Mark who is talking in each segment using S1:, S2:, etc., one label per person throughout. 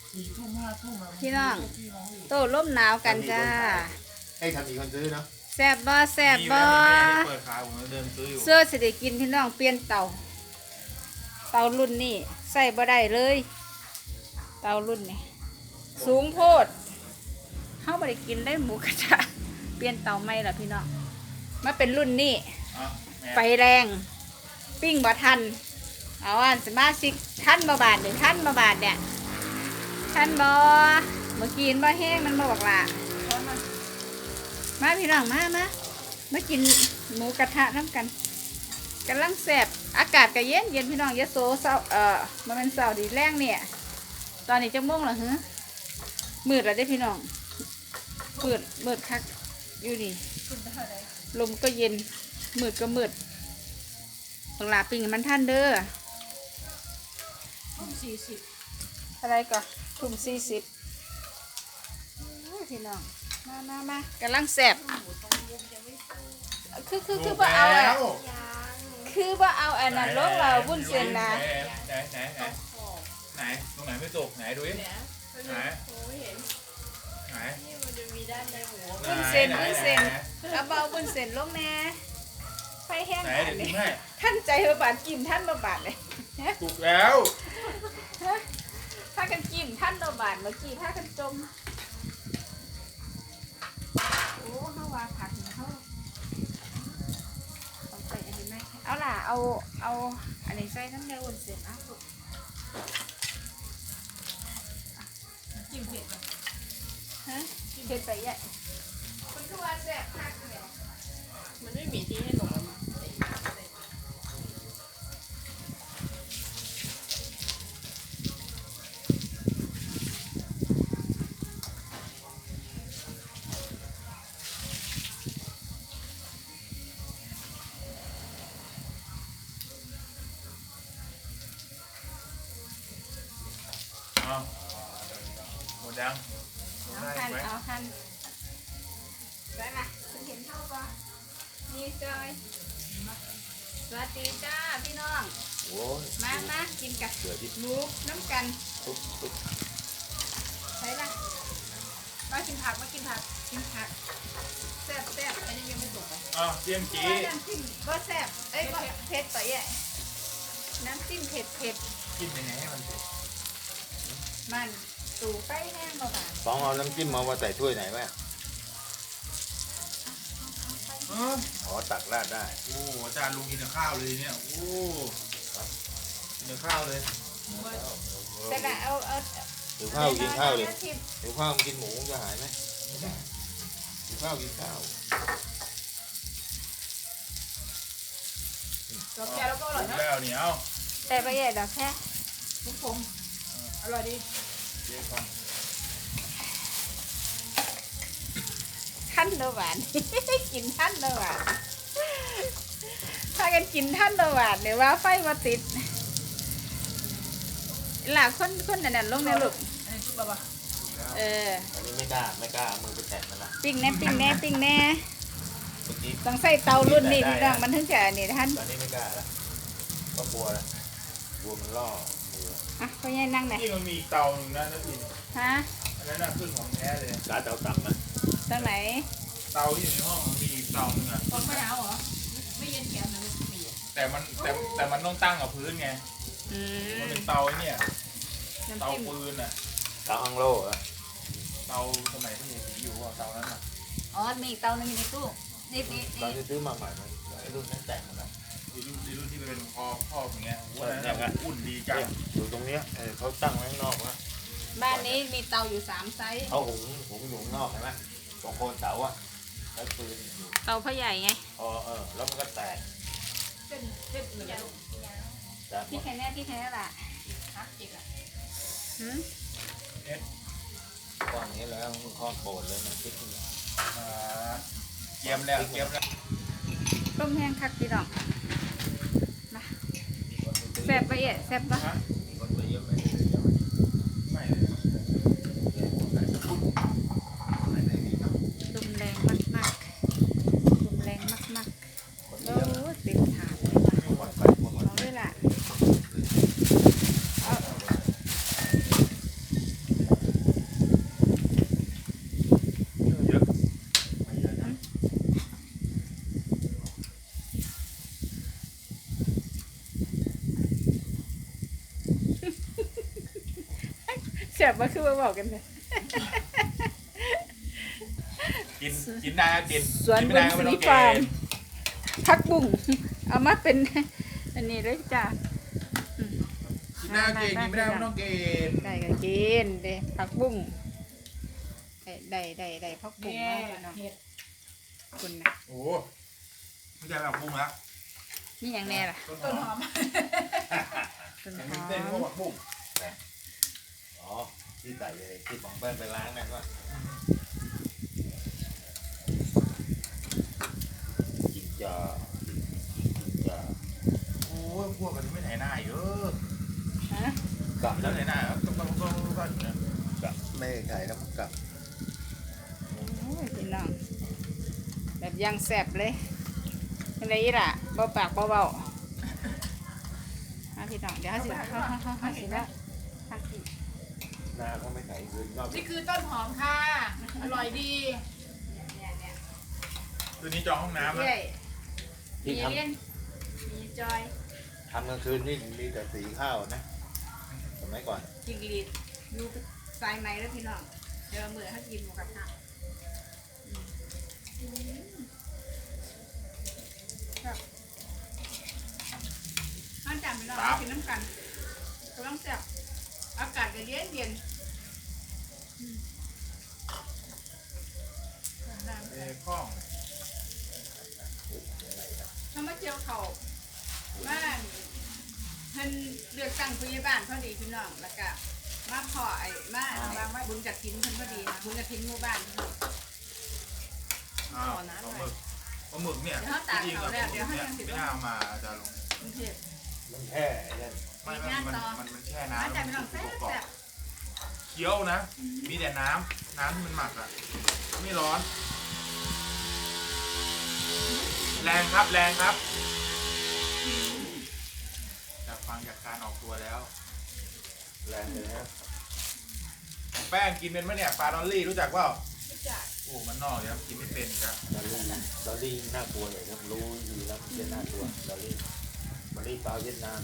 S1: พี่น้องโต้ร่มหนาวกันจ้า
S2: ให้ทำมีคนซื้อเนาะ
S1: แซ่บบ่แซ่บบ่
S3: เปิดขายผมเดินซื้ออยู่
S1: เสื้อสิได้กินพี่น้องเปลี่ยนเตารุ่นนี้ใส่บ่ได้เลยเตารุ่นนี้สูงโพดเฮาบ่ได้กินได้หมูกระทะเปลี่ยนเตาใหม่ล่ะพี่น้องมาเป็นรุ่นนี้ไฟแรงปิ้งบ่ทันเอาอันสมาชิกท่านบ่บาทหรือท่านบ่บาทเนี่ยท่านบ่เมื่อกี้บ่แห้งมันบ่บอกล่ะมาพี่น้องมากินหมูกระทะน้ำกันกำลังแซ่บอากาศก็เย็นพี่น้องยะโสเศร้ามันเป็นเสาร์ดีแรงเนี่ยตอนนี้จะม่วงเหรอฮะมืดแล้วได้พี่น้องมืดคักอยู่นี่ลมก็เย็นมืดก็มืดต้องลาปิ้งมันท่านเด้อ40อะไรก่อนทุ่ม40พี่น้องมากำลังแซ่บคือว่าเอาอะคือว่าเอาอันนั้นลงเราบุ้นเส้นนะ
S3: ไหนตรงไหนไม่ตกไหนดูดิไหน
S1: บุ้นเส้นเอาเบาบุ้นเส้นลงแน่ไฟแห้งท่านใจบาดกินท่านบาดเลย
S3: ถูกแล้ว
S1: ถ้ากันกินท่านบาดเมื่อกี้ถ้ากันจมโอ้เขาว่าผักเขาต้องใส่อันนี้ไหมเอาล่ะเอาอันนี้ใส่น้ำเนื้อวุ้นเส้นลูกจิ้มเผ็ดฮะจิ้มเผ็ดไปใหญ่คุณคือว่าแซ่บมากเลยมันไม่มีที่ให้หนู
S3: หมดยัง
S1: เอาคันไปมาคุณเห็นเท่าปะนี่จอยสวัสดีจ้าพี่น้องมากินกับหมูน้ำกันใช่ละมากินผักแซ่บอันนี้ยังไม่สุกเลย
S3: เจียมจี
S1: น้ำจิ้มก็แซ่บก็เผ็ดต่อใหญ่น้ำจิ้มเผ็ด
S3: กินยังไงให้มันเผ็ด
S1: มันตูไปแห้งมาบ้าง
S2: สองเอาน้ำจิ้มมาใส่ถ้วยไหนไหมอ๋อตักราดได้
S3: โอ้อาจารย์ลุงกินข้าวเลยเนี่ยโอ้กินข้าวเลย
S1: แต่ละเอา
S2: หิวข้าวกินข้าวเลยหิวข้าวกินหมูจะหายไหมหิวข้าวกินข้าว
S1: ดอกแก้วแล้วก็อร่อยนะ
S3: แล้วเนี่ยเอา
S1: แต่ไปใหญ่ดอกแค่ลูกผมอร่อยดีท่านเดาหวานกินท่านเดาหวานถ้ากันกินท่านเดาหวานเนี่ยว่าไฟมาติดหลักคนนั่นลงในลูก
S2: อันนี้ไม่กล้ามือไปแตะมันละ
S1: ปิ้งแน่ต้องใส่เตารุ่นนี้พี่น้องมันถึงจะนี่ท่าน
S2: ตอนนี้ไม่กล้าละก็กลัวมันล่อ
S1: เขาแย่นั่งไหน
S3: ที่มันมีเตาหนึ่งนะนักบิน
S1: ฮะ
S3: อันนั้นน่ะขึ้นของแท้เลย
S2: เตาต่ำนะ
S1: ตรงไหน
S3: เตาที่อยู่ในห้องมันมีเตาหนึ่ง
S1: ไม่เอาเหรอไม่เย็นแข็งนะ
S3: แต่มันต้องตั้งกับพื้นไงมันเป็นเตาเนี่ยเตาปืน
S2: เตาอังโล่
S3: เตาสมัยที่มีสีอยู่เตานั้น
S1: มีเตาหนึ่งในตู้นี่
S2: ตอนที่ซื้อมาใหม่ไอ้รุ่นนั้นแตกหมดแล้ว
S3: รุ่นที่เป็นคออย่างเงี้ยว่าอุ่นดีจัง
S2: อยู่ตรงเนี้ยเขาตั้งไว้ข้างนอกนะ
S1: บ้านนี้มีเตาอยู่3ไซส์
S2: เขาหุงอยู่ข้างนอกเห็นไหมตรงโคนเสาแล้วปืน
S1: เตาพ่อใหญ่ไง
S2: แล้วมันก็แตก
S1: เส้นเหมือนกันที่แค่นี้แหละ
S2: ก้อนนี้แล้วข้อโปรดเลยมันคิดอย่างนี้
S3: เกี๊ยมแล้ว
S1: ต้มแห้งคักพี่น้องมาแซ่บไปแซ่บปะลมแรงมากโอ้เต็มถาดเลยว่ะเอาเลยล่ะแซ่บบ่คือว่าบอกกันเลย
S3: กินได้ก็กิน
S1: สวน
S3: กิน
S1: บุ
S3: ไม่
S1: ญ
S3: ได้ก็
S1: ศ
S3: ไม่
S1: รี
S3: ต้อง
S1: ฟาร์ม
S3: กิน
S1: ผักบุ้งเอามาเป็น อันนี้เลยจ้า
S3: กินได้ก็กินกินไม่ได้ก็ไม่ต้องกิน
S1: ได้ก็กินเด้ผักบุ้งได้ผักบุ้งมากเลยเนาะคุณนะ
S3: โอ้โหไม่ใช่แบบปรุงละ
S1: นี่อย่างแน่ล่ะ
S3: ต้นหอม
S1: ต้น
S3: เห็น
S1: หอ
S3: เส้น
S1: ม
S3: ก็แบบปรุง
S2: อ๋อที่ใส่เลยที่ของเปิ้ลไปล้างนั่นว่ากินจากินจา
S3: โอ้ยพวกกันไม่ไหนหน้าเยอะ
S1: ฮะ
S2: กับ
S3: แล้
S2: แล้ว ว
S3: ไหนหน้าต้องอยู่นะ
S2: กับไม่ไก่แล้วมันกับ
S1: โอ้ยพี่น้องแบบยังแซ่บเลยอะไรอีล่ะเบาปากเบาพี่น้องเดี๋ยวสิเขาสิแล้วทานกิน
S2: หน้าเขาไม่ไก่คืนนอก
S4: นี่คือต้นหอมค่ะ อร่อยดี
S1: เนี่ย
S3: คืนนี้จองห้องน้ำนะ
S1: เรื่อย
S2: ที่
S1: มีเล่นมีจอย
S2: ทำกลางคืนนี่มีแต่สีข้าวนะสมัยก่อน
S1: จิงลีดอยู่สายไหมแล้วพี่น้องเดี๋ยวมือให้กินหมูกระทะข้าวจานพี่น้องกินน้ำกันกำลังแซ่บอากาศก็เย็นเย็น
S3: เอ้ข้อง
S1: ถ้ามาเจียวเขาบ้านเพิ่นเลือกตั้งผู้ใหญ่บ้านพอดีพี่น้องแล้วก็มาพอไอ้มาบางว่าบุญกฐินเพิ่นพอดีนะบุญกฐินหมู่บ้านพี่น้อง
S3: อ้าวปลาหมึกเนี่ยจริงๆกับเนี่ยไม่น่ามาจะลง
S1: กรุงเทพ
S2: มันแค่ไอ้นั่น
S3: มันแช่น้ำ
S1: มาจากพี่น้องแซ่บ
S3: เคี้ยวนะ มีแต่น้ำที่มันหมักอ่ะไม่ร้อน แรงครับจากฟังจากการออกตัวแล้ว
S2: แรงเลยนะ
S3: แป้งกินเป็นไหมเนี่ยปลาดอลลี่รู้จักเปล่า
S1: รู้จัก
S3: โอ้มันนอกเลยครับกินไม่เป็นครับ
S2: ดอลลี่น่ากลัวเลยนะรู้อยู่แล้วมันจะน่ากลัวดอลลี่ปลาเวียดนาม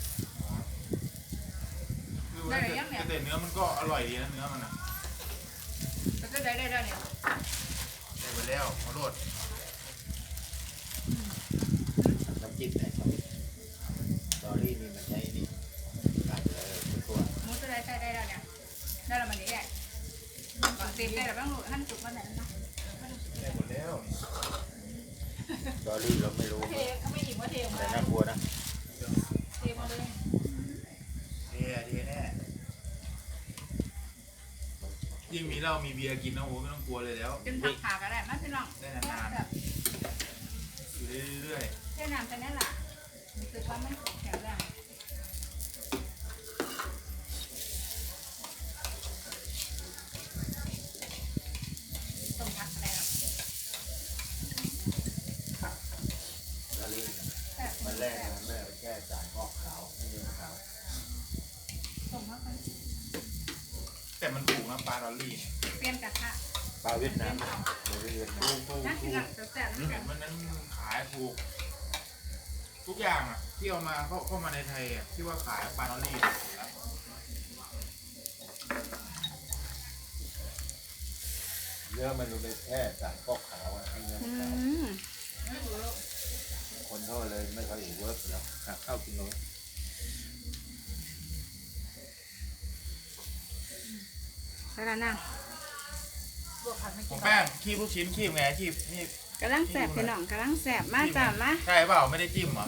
S3: คือว่าแต่เนื้อมันก็อร่อยดีนะเนื้อมันอ่ะ
S1: แล้วก็ได้เนี่ย
S3: ได้ไปแล้วขอโทษ
S2: น้ำจิ้มไหนครับดอลลี่นี่มันใช้นี่กัดเลยตัว
S1: หมูตัวได้แล้วเนี่ยได้แล้วมันนี่แหละเต็มได้แล้วบ้างลูกท่านจุกมาไหนนะ
S3: ได้หมดแล้ว
S2: ดอลลี่เราไม่รู้
S4: เทเขาไม่หยิบว่าเทออก
S2: แต่
S4: มา
S2: น่ากลัวนะ
S4: เทมาเลย
S3: เท่แน่ยิ่งมีเหล้ามีเบียร์กินนะโอ้ไม่ต้องกลัวเลยแล้ว
S1: กินผักขาก็ได้มาพี่น้อง
S3: ได้นานๆอยู่เรื่อย
S1: แค่น้ำแค่นั้นแหละรู้สึกว่ามันแข็งแรงต้มผักก็ได้
S2: ดอลลี่
S1: แซ่บ
S2: มันแรกนะแม่แค่จ่ายกอกขาวไม่เยอะขาว
S1: ต้มผักมัน
S3: ๆแต่มันถูกนะปลาดอลลี่เนี่ย
S1: เปลี่ยนกระทะ
S2: ปลาเวียดนามเราเรียนรู้
S1: น่ากินอ่ะแซ่บๆน้ำ
S3: เห็
S1: กัน
S3: นมันนั้นขายถูก ทุกอย่างอ่ะที่เอามาเข้ามาในไทยอ่ะที่ว่าขายปลาดอลลี่เนี่ยถูกแล้ว
S2: เนื้อมันดูเป็นแค่จ่ายกอกขาวอ่ะให้เนื้อ
S1: อื
S2: ขาว
S1: ม
S2: คนเขาเลยไม่ค่อยเวิร์กแล้วข้าวกินน้อย
S1: แล้วนั่ง
S4: บวกผักไม่
S3: ข
S4: กิ
S3: อน งแป้งคีบลูกชิ้นคีบไงคีบนี่
S1: กำลังแสบพี่น้องกำลังแสบมาจ้ามา
S3: ใช่เปล่าไม่ได้จิ้มเหรอ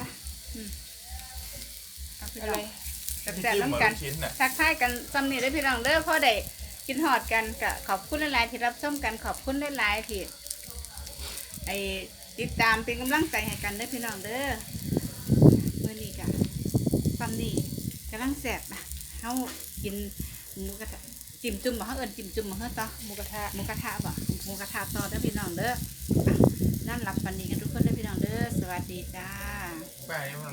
S4: อะไร
S1: แสบๆน้ำกัน
S3: ลูกชิ้นน่ะ
S1: ทักทายกันซ้ำนี่ได้อพี่น้องเด้อพ่อได้กินหอดกันก็ขอบคุณหลายๆที่รับชมกันขอบคุณหลายๆที่ไอติดตามเป็นกำลังใจให้กันเด้อพี่น้องเด้อเมื่อนี้กันซ้ำนี่กำลังแสบนะเฮากินหมูกระทะจิ้มจุ่มบ่เฮาเอิ้นจิ้มจุ่มบ่เฮาต่อ
S4: หมูกระทะ
S1: หมูกระทะบ่หมูกระทะต่อเด้อพี่น้องเด้อนั่นรับปันนี้กันทุกคนเด้อพี่น้องเด้อสวัสดีจ้า
S3: แป้งนี่มัน